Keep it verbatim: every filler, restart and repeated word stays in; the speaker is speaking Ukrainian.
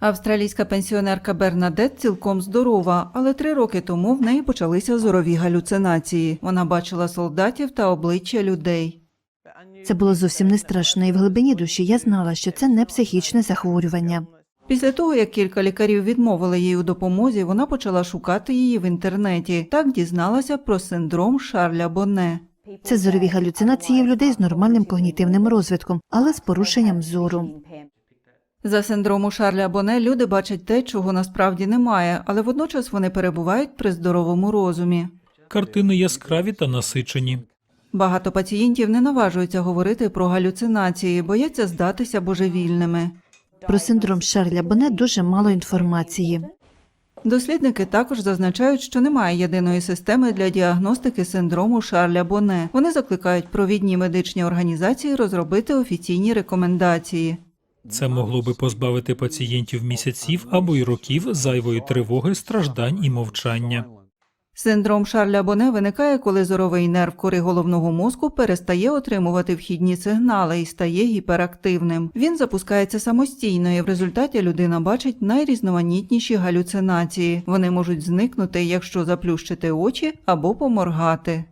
Австралійська пенсіонерка Бернадет цілком здорова, але три роки тому в неї почалися зорові галюцинації. Вона бачила солдатів та обличчя людей. Це було зовсім не страшно, і в глибині душі я знала, що це не психічне захворювання. Після того, як кілька лікарів відмовили їй у допомозі, вона почала шукати її в інтернеті. Так дізналася про синдром Шарля Боне. Це зорові галюцинації в людей з нормальним когнітивним розвитком, але з порушенням зору. За синдрому Шарля Боне люди бачать те, чого насправді немає, але водночас вони перебувають при здоровому розумі. Картини яскраві та насичені. Багато пацієнтів не наважуються говорити про галюцинації, бояться здатися божевільними. Про синдром Шарля Боне дуже мало інформації. Дослідники також зазначають, що немає єдиної системи для діагностики синдрому Шарля Боне. Вони закликають провідні медичні організації розробити офіційні рекомендації. Це могло би позбавити пацієнтів місяців або й років зайвої тривоги, страждань і мовчання. Синдром Шарля Боне виникає, коли зоровий нерв кори головного мозку перестає отримувати вхідні сигнали і стає гіперактивним. Він запускається самостійно, і в результаті людина бачить найрізноманітніші галюцинації. Вони можуть зникнути, якщо заплющити очі або поморгати.